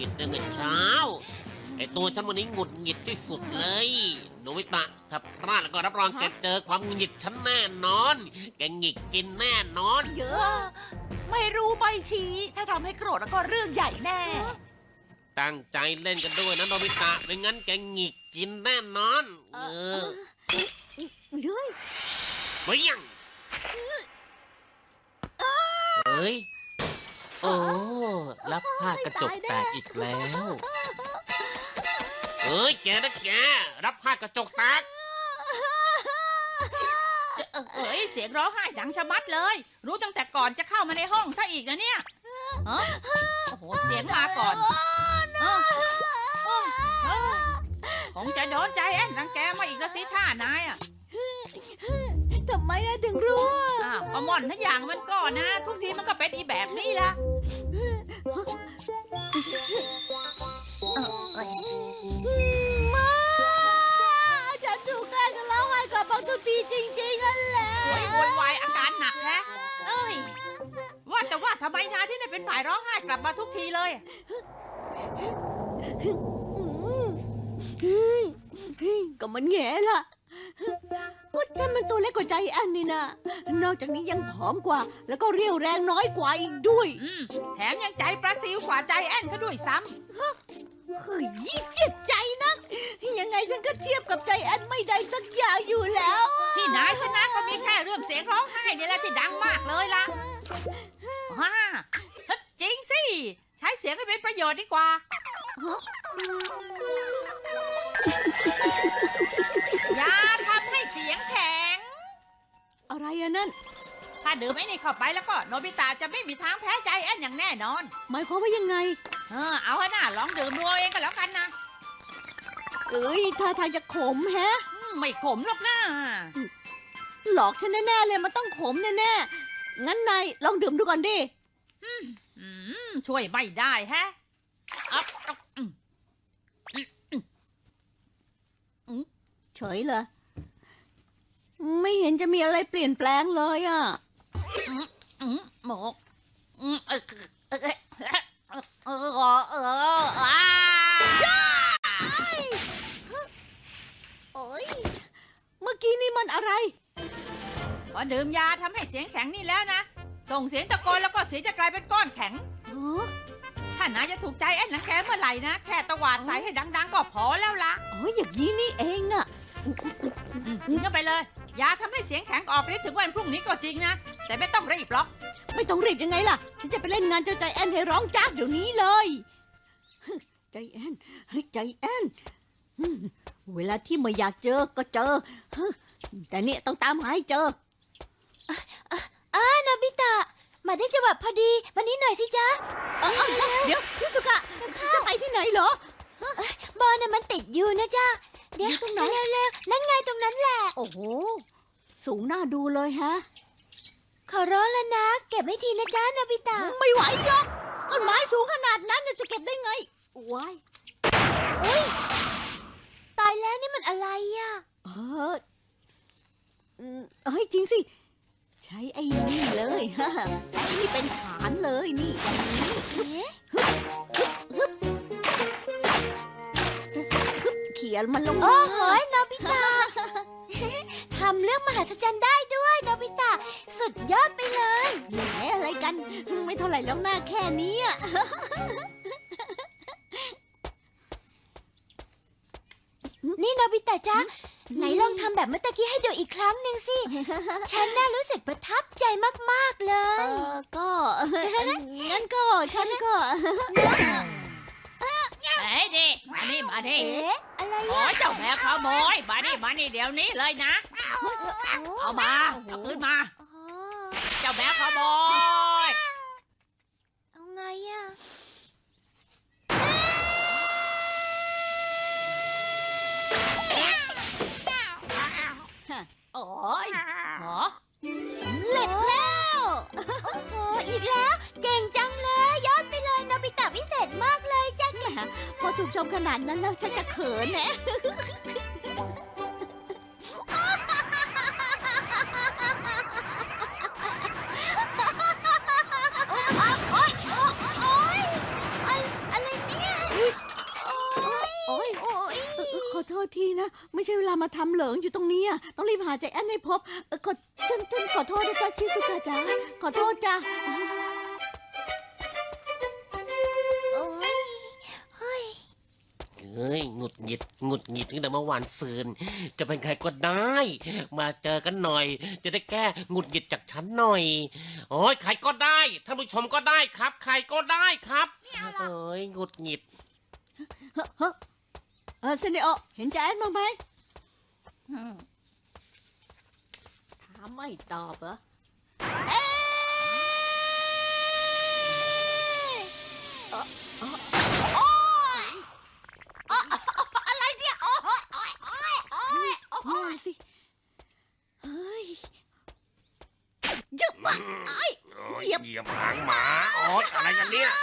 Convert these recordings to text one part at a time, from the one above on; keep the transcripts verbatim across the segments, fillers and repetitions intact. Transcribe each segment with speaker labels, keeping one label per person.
Speaker 1: ดตั้งแต่เช้าไอตัวฉันวันนี้หงุดหงิดที่สุดเลยโนบิตะถ้าพลาดแล้วก็รับรองแกเจอความหงุดหงิดฉันแน่นอนแกหงิกกินแน่นอน
Speaker 2: เยอะไม่รู้ใบชี้ถ้าทำให้โกรธแล้วก็เรื่องใหญ่แน่
Speaker 1: ตั้งใจเล่นกันด้วยนะโนบิตะไม่งั้นแกหงิกกินแน่นอนเออ
Speaker 2: เฮ้ย
Speaker 1: เฮ้ยยังเฮ้ยโอ้รับผ้ากระจกแตกอีกแล้วเฮ้ยแกนะแกรับผ้ากระจกแตก
Speaker 3: เอ้ยเสียงร้องไห้ดังชะมัดเลยรู้ตั้งแต่ก่อนจะเข้ามาในห้องซะอีกนะเนี่ยโอ้โหเสียงมาก่อนคงจะโดนใจแอนรังแกมาอีกแล้วสิท่านายอ่ะ
Speaker 2: ทำไมนายถึงรู้
Speaker 3: อ่ะก็ม่อนทั้งอย่างมันก่อนนะทุกทีมันก็เป็นอีแบบนี้ละ
Speaker 2: มาฉันถูกแกล้งกันแล้วให้กลับมาทุกทีจริงๆนั่นแหละ
Speaker 3: โวยโวยวายอาการหนักแท้เอ้ยว่าแต่ว่าทำไมนายที่ได้เป็นฝ่ายร้องไห้กลับมาทุกทีเลย
Speaker 2: ก็มันแง่ล่ะก็ฉันมันตัวเล็กกว่าใจแอนนี่นะนอกจากนี้ยังผอมกว่าแล้วก็เรี่ยวแรงน้อยกว่าอีกด้วย
Speaker 3: แถมยังใจปลาซิวกว่าใจแอนเขาด้วยซ้
Speaker 2: ำเฮ้ยเจ็บใจนักยังไงฉันก็เทียบกับใจแอนไม่ได้สักอย่างอยู่แล้ว
Speaker 3: ที่นายชนะก็มีแค่เรื่องเสียงร้องไห้นี่แหละที่ดังมากเลยล่ะฮ่าจริงสิใช้เสียงให้เป็นประโยชน์ดีกว่าอย่าทำให้เสียงแข็ง
Speaker 2: อะไรอะนั่น
Speaker 3: ถ้าดื่มไอ้นี่เข้าไปแล้วก็โนบิตะจะไม่มีทางแพ้ใจแอนอย่างแน่นอน
Speaker 2: หมายความว่ายังไง
Speaker 3: เออเอาให้น่าลองดื่มดูเองก็แล้วกันนะ
Speaker 2: เอ้ยท่าทางจะขมแฮะ
Speaker 3: ไม่ขมหรอกนะ
Speaker 2: หลอกฉันแน่ๆเลยมันต้องขมแน่ๆงั้นนายลองดื่มดูก่อนดิ
Speaker 3: ช่วยไม่ได้แฮะอ๊อบอ๊อบ
Speaker 2: เฉยเลยไม่เห็นจะมีอะไรเปลี่ยนแปลงเลยอ่ะ
Speaker 3: หมกเออเออเออเออ
Speaker 2: โอ้ยเมื่อกี้นี่มันอะไร
Speaker 3: พอดื่มยาทำให้เสียงแข็งนี่แล้วนะส่งเสียงตะโกนแล้วก็เสียงจะกลายเป็นก้อนแข็งถ้านายจะถูกใจแอนหลังแกเมื่อไหร่นะแค่ตะวาดใส่ให้ดังๆก็พอแล้วล่ะ
Speaker 2: อ๋ออย่างนี้นี่เองอะ
Speaker 3: กินเข้าไปเลยยาทำให้เสียงแข็งออกฤทธิ์ถึงวันพรุ่งนี้ก็จริงนะแต่ไม่ต้องรีบหรอก
Speaker 2: ไม่ต้องรีบยังไงล่ะฉันจะไปเล่นงานเจ้าใจแอนให้ร้องจ้าเดี๋ยวนี้เลยใจแอนเฮ้ยใจแอนเวลาที่ไม่อยากเจอก็เจอแต่เนี่ยต้องตามหาให้เจอ
Speaker 4: อ่านาบิตะมาได้จังหวะพอดีวันนี้หน่อยสิจ๊ะ
Speaker 2: เดี๋ยวชิสุกะจะไปที่ไหนเหร
Speaker 4: อบอลน่ะมันติดอยู่นะจ๊ะเดี๋ยวตรงไหนเร็วๆนั่นไงตรงนั้นแหละ
Speaker 2: โอ้โหสูงน่าดูเลยฮะ
Speaker 4: ขอร้องแล้วนะเก็บให้ทีนะจ๊ะนาบิตะ
Speaker 2: ไม่ไหวหรอกต้นไม้สูงขนาดนั้นจะเก็บได้ไงว้าย
Speaker 4: เอ้ยตายแล้วนี่มันอะไรอ่ะ
Speaker 2: เออเฮ้ยจริงสิใช้ไอ้นี่เลยฮะไอ้นี่เป็นฐานเลยนี่เขียนมันลง
Speaker 4: โอ้โหโนบิตะทำเรื่องมหัศจรรย์ได้ด้วยโนบิตะสุดยอดไปเลย
Speaker 2: แหมอะไรกันไม่เท่าไหร่แล้วหน้าแค่นี้
Speaker 4: นี่โนบิตะจ๊ะไหนลองทำแบบเมื่อตะกี้ให้ดูอีกครั้งหนึ่งสิฉันน่ารู้สึกประทับใจมากๆเลย
Speaker 2: เออก็งั้นก็ฉันก็
Speaker 3: เฮ้ยดิมานี่มาดิ
Speaker 4: เอ๊ะอะไร
Speaker 3: อ่ะโอ้ยเจ้าแม่ขโมยมานี่มานี่เดี๋ยวนี้เลยนะเอามาเอาขึ้นมาเจ้าแม่ขโมย
Speaker 4: เอาไงอ่ะ
Speaker 3: โอ้ยหรอ
Speaker 2: สำเร็จแล้ว
Speaker 4: โอ้โหอีกแล้วเก่งจังเลยยอดไปเลยโนบิตะวิเศษมากเลยจ้ะ
Speaker 2: พอถูกชมขนาดนั้นแล้วฉันจะเขินแนะ
Speaker 4: โอ๊ยโอ๊ยอะไรเนี่ย
Speaker 2: ษทีนะ ไม่ใช่เวลามาทำเหลิงอยู่ตรงนี้อะต้องรีบหาใจแอนให้พบเอ่อขอฉันฉันขอโทษนะจ๊ะชิสุกะจ้าขอโทษจ้า
Speaker 4: โอ้ยเฮ้ย
Speaker 1: เฮ้ยหงุดหงิดหงุดหงิดตั้งแต่เมื่อวานซืนจะเป็นใครก็ได้ มาเจอกันหน่อย จะได้แก้หงุดหงิดจากฉันหน่อย โอ้ยใครก็ได้ท่านผู้ชมก็ได้ครับ ใครก็ได้ครับเอ้ยหงุดหงิด
Speaker 2: เฮ้อเฮ้อเออเซเนโอเห็นใจแอนบ้างไหมถามไม่ตอบเหรอ
Speaker 4: อะไรเนี่ยโอ้ยโอ้ยโอ้ยโอ้ยโอ้ย
Speaker 2: มาสิ เฮ้ยยึบมาไอ้
Speaker 1: โอ้ย
Speaker 2: เหยียบ
Speaker 1: เหยียบหางหมาโอ๊ยอะไรกันเนี่ย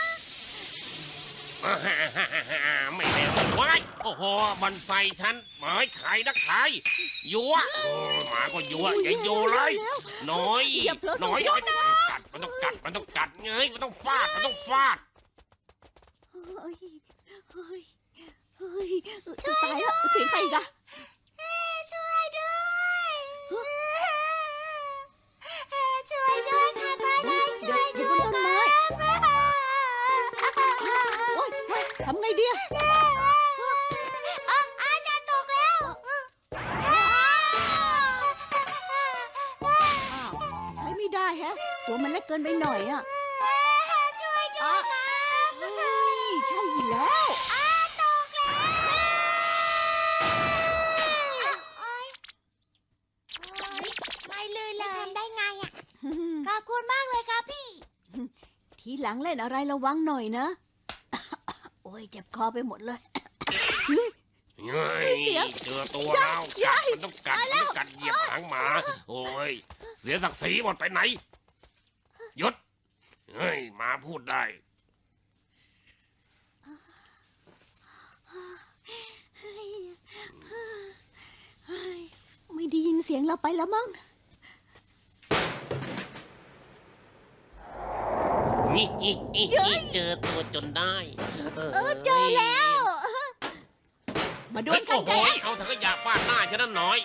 Speaker 1: ไม่ได้ว้ายโอ้โหมันใส่ฉันเฮ้ยใครนะใครยัวโอ้ยหมาก็ยัวอย่าโยเลยน้อยน้อยมันต้องกัดมันต้องกัดมันต้องกัดเงยมันต้องฟาดมันต้องฟาด
Speaker 2: เฮ้ยเฮ้ยเฮ้ยจะตายแล้วเสียงใครอีกอะ
Speaker 4: ช่วยด้วยช่วยด้วยค่ะก็ได้ช่วย
Speaker 2: เดี๋
Speaker 4: ด้
Speaker 2: ยว
Speaker 4: วย
Speaker 2: บนต้นไม้โอ๊ยเฮ้ยทำไงดีอะ
Speaker 4: อาจะตกแล้ว
Speaker 2: อ้าวใช้ไม่ได้แฮะ ตัวมันเล็กเกินไปหน่อยอะ
Speaker 4: ช่วยด้วย
Speaker 2: เฮ้ยใช่อยู่แล้ว
Speaker 4: อาตกแล้วโอ๊ยไม่เลยเลยทำได้ไงอ่ะขอบคุณมากเลยครับพี่
Speaker 2: ทีหลังเล่นอะไรระวังหน่อยนะ โอ้ยเจ็บคอไปหมดเลย
Speaker 1: เฮ้ยเจอตัวแล้วกัดมันต้องกัดมันต้องกัดเหยียบหางหมาโอ้ยเสียศักดิ์ศรีหมดไปไหนหยุดเฮ้ยหมาพูดได้
Speaker 2: ไม่ได้ยินเสียงเราไปแล้วมั้ง
Speaker 1: นี่เจอตัวจนได้
Speaker 2: เออเจอแล้ว มาดว
Speaker 1: เฮ้
Speaker 2: ล
Speaker 1: ย
Speaker 2: กัน
Speaker 1: โอ้โห
Speaker 2: ใจแอน
Speaker 1: เอาถังขยะฟาดหน้าฉันนั่นหน่อย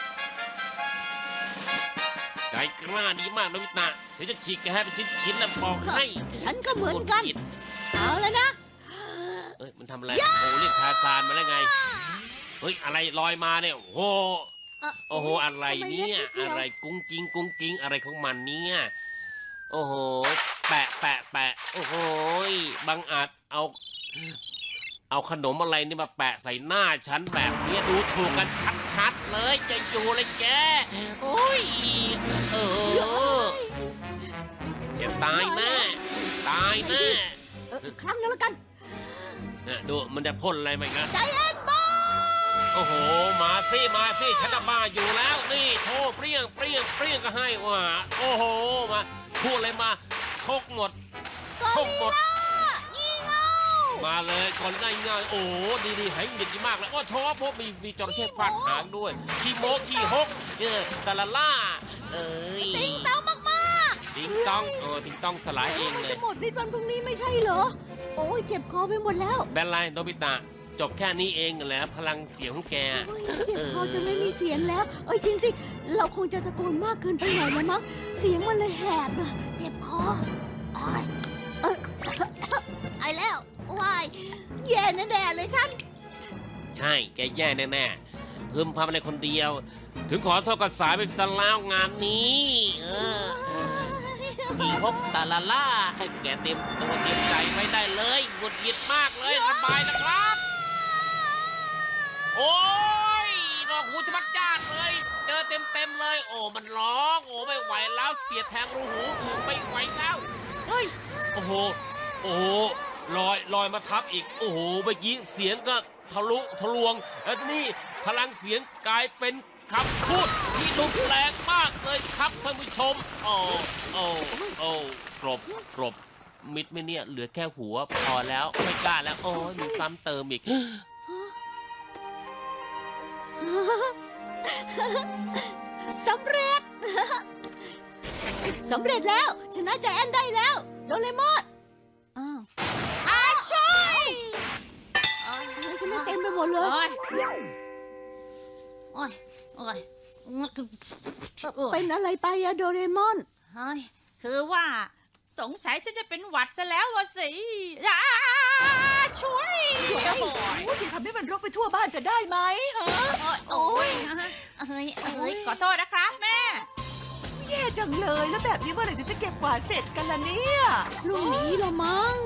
Speaker 1: ใจกล้าดีมากนะวิตาเดี๋ยวจะฉีกแกให้เป็นชิ้นๆแล้วบอกให้
Speaker 2: ฉันก็เหมือนกัน เอาแล้วนะ
Speaker 1: เอ้ยมันทำอะไรโอ้เรียกทาซานมาแล้วไงเฮ้ยอะไรลอยมาเนี่ยโอ้โห
Speaker 2: เอ่อ
Speaker 1: โอ้โหอะไรเนี่ย
Speaker 2: ทำไมเล็กนิดเดียว
Speaker 1: อะไรกุ้งกิ้งกุ้งกิ้งอะไรของมันเนี่ยโอ้โหแปะแปะแปะโอ้โหบังอาจเอา เอาขนมอะไรนี่มาแปะใส่หน้าฉันแบบนี้ดูถูกกันชัดๆเลยจะอยู่เลยแกโอ้ยเออจะตายแน่ตายแน่
Speaker 2: เอออีกครั้งนึงแล้วกัน
Speaker 1: เนี่ยดูมันจะพ่นอะไรมาอีกนะ
Speaker 2: ใจแอนบอ
Speaker 1: โอ้โหมาสิมาสิฉันน่ะบ้าอยู่แล้วนี่โชว์เปรี้ยงเปรี้ยงเปรี้ยงก็ให้ว่าโอ้โหมาพูดอะไรมาชกหมดชกหมดมาเลยก่อนได้ง่ายโอ้โหดีๆให้เด็ดดีมากเลยว่าชอบพบมีมีจระเข้ฟาดหางด้วยขี้โมขี้ฮกเออตะละล่าเอ้ย
Speaker 2: ติงต้องมาก
Speaker 1: ติงต้องเออติงต้องสลายเอง
Speaker 2: ๆมัน
Speaker 1: เล
Speaker 2: จะ
Speaker 1: ย
Speaker 2: หมดในวันพรุ่งนี้ไม่ใช่เหรอ โอ้ยเจ็บคอไปหมดแล้ว
Speaker 1: แบนไลน์โนบิตะจบแค่นี้เองแหละพลังเสียงของแก
Speaker 2: โอ้ยเจ็บคอจนไม่มีเสียงแล้ว เอ้ยจริงสิ เราคงจะตะโกนมากเกินไปหน่อยแล้วมั้ง เสียงมันเลยแหบอะเจ็บคอโอ้ยเออไอแล้ววายแย่แน่ๆเลยฉัน
Speaker 1: ใช่แกแย่แน่ๆพึมพำอะไรคนเดียว ถึงขอโทษกับสายไปซะแล้วงานนี้เออขี้ฮกตะละล่าแกเตรียมตัวเตรียมใจไว้ได้เลยหงุดหงิดมากเลยสบายนะครับ โอ้ยดอกหูจะมัดจ้าดเลย เจอเต็มเต็มๆเลย โอ้มันร้อง โอ้ไม่ไหวแล้วเสียแทงรูหูไม่ไหวแล้วเฮ้ยโอ้โหโอ้โหลอยลอยมาทับอีก โอ้โหเมื่อกี้เสียงก็ทะลุทะลวง แล้วนี่พลังเสียงกลายเป็นคำพูดที่ดุแรงมากเลยครับท่านผู้ชม โอ้โอ้โอ้กรบกรบมิดไหม่เนี่ยเหลือแค่หัวพอแล้วไม่กล้าแล้ว โอ้ยมีซ้ำเติมอีก
Speaker 2: สำเร็จ สำเร็จแล้ว ชนะใจแอนได้แล้ว โดเรมอนอ้าวอาช่วยทำไมฉันไม่เต็มไปหมดเลย
Speaker 3: โอ้ยโอ้ยโอ้ย
Speaker 2: เป็นอะไรไปอะโดเรมอน
Speaker 3: เฮ้ยคือว่าสงสัยฉันจะเป็นหวัดซะแล้ววะสิอ้าช่วย
Speaker 5: โอ้ยอย่าทำให้มันรกไปทั่วบ้านจะได้ไหมฮะ
Speaker 3: โอ้ยเอ้ยเอ้ยขอโทษนะครับแม่
Speaker 5: แย่จังเลยแล้วแบบนี้เมื่อไหร่ถึงจะเก็บกวาดเสร็จกันล่ะเนี่ย
Speaker 2: พรุ่งนี้ละมั้ง